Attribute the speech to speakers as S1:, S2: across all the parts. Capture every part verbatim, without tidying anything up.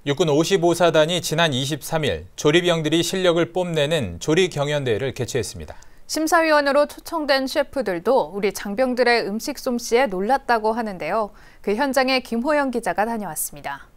S1: 육군 오십오 사단이 지난 이십삼 일 조리병들이 실력을 뽐내는 조리경연대회를 개최했습니다.
S2: 심사위원으로 초청된 셰프들도 우리 장병들의 음식 솜씨에 놀랐다고 하는데요. 그 현장에 김호영 기자가 다녀왔습니다.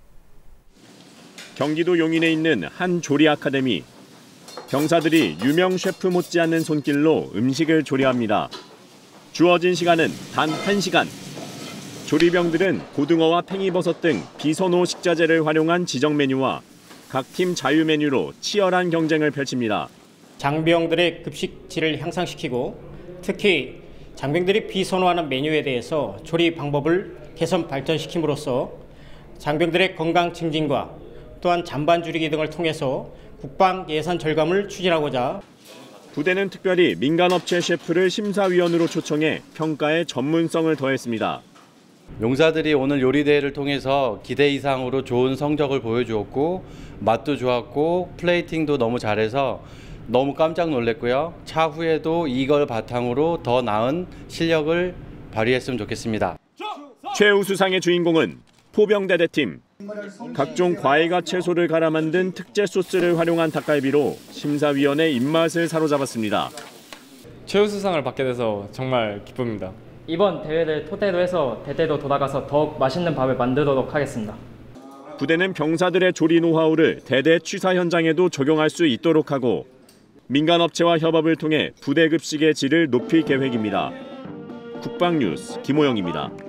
S3: 경기도 용인에 있는 한 조리 아카데미. 병사들이 유명 셰프 못지않는 손길로 음식을 조리합니다. 주어진 시간은 단 한 시간. 조리병들은 고등어와 팽이버섯 등 비선호 식자재를 활용한 지정 메뉴와 각 팀 자유 메뉴로 치열한 경쟁을 펼칩니다.
S4: 장병들의 급식질을 향상시키고 특히 장병들이 비선호하는 메뉴에 대해서 조리 방법을 개선 발전시킴으로써 장병들의 건강 증진과 또한 잔반 줄이기 등을 통해서 국방 예산 절감을 추진하고자
S3: 부대는 특별히 민간업체 셰프를 심사위원으로 초청해 평가에 전문성을 더했습니다.
S5: 용사들이 오늘 요리대회를 통해서 기대 이상으로 좋은 성적을 보여주었고 맛도 좋았고 플레이팅도 너무 잘해서 너무 깜짝 놀랐고요. 차후에도 이걸 바탕으로 더 나은 실력을 발휘했으면 좋겠습니다.
S3: 최우수상의 주인공은 포병대대팀. 각종 과일과 채소를 갈아 만든 특제 소스를 활용한 닭갈비로 심사위원의 입맛을 사로잡았습니다.
S6: 최우수상을 받게 돼서 정말 기쁩니다.
S7: 이번 대회를 토대로 해서 대대로 돌아가서 더욱 맛있는 밥을 만들도록 하겠습니다.
S3: 부대는 병사들의 조리 노하우를 대대 취사 현장에도 적용할 수 있도록 하고 민간업체와 협업을 통해 부대 급식의 질을 높일 계획입니다. 국방뉴스 김호영입니다.